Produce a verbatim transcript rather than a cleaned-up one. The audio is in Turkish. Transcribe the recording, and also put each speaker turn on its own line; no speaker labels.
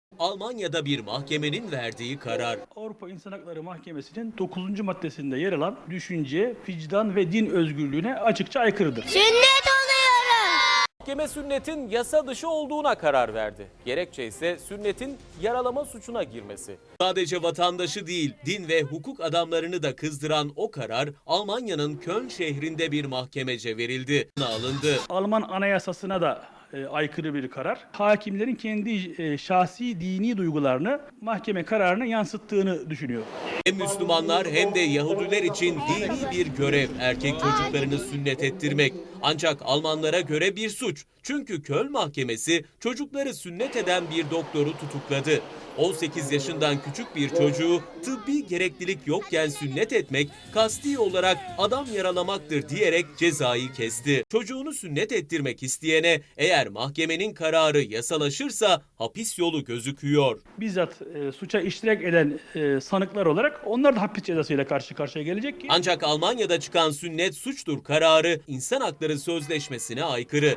Almanya'da bir mahkemenin verdiği karar.
Avrupa İnsan Hakları Mahkemesi'nin dokuzuncu maddesinde yer alan düşünce, vicdan ve din özgürlüğüne açıkça aykırıdır.
Sünnet oluyorum.
Mahkeme sünnetin yasa dışı olduğuna karar verdi. Gerekçe ise sünnetin yaralama suçuna girmesi.
Sadece vatandaşı değil, din ve hukuk adamlarını da kızdıran o karar Almanya'nın Köln şehrinde bir mahkemece verildi. Alındı.
Alman anayasasına da e, aykırı bir karar. Hakimlerin kendi e, şahsi dini duygularını mahkeme kararına yansıttığını düşünüyor.
Hem Müslümanlar hem de Yahudiler için dini bir görev erkek çocuklarını sünnet ettirmek. Ancak Almanlara göre bir suç. Çünkü Köln Mahkemesi çocukları sünnet eden bir doktoru tutukladı. on sekiz yaşından küçük bir çocuğu tıbbi gereklilik yokken sünnet etmek kasti olarak adam yaralamaktır diyerek cezayı kesti. Çocuğunu sünnet ettirmek isteyene eğer mahkemenin kararı yasalaşırsa hapis yolu gözüküyor.
Bizzat e, suça iştirak eden e, sanıklar olarak onlar da hapis cezasıyla karşı karşıya gelecek ki
Ancak Almanya'da çıkan sünnet suçtur kararı İnsan Hakları Sözleşmesi'ne aykırı.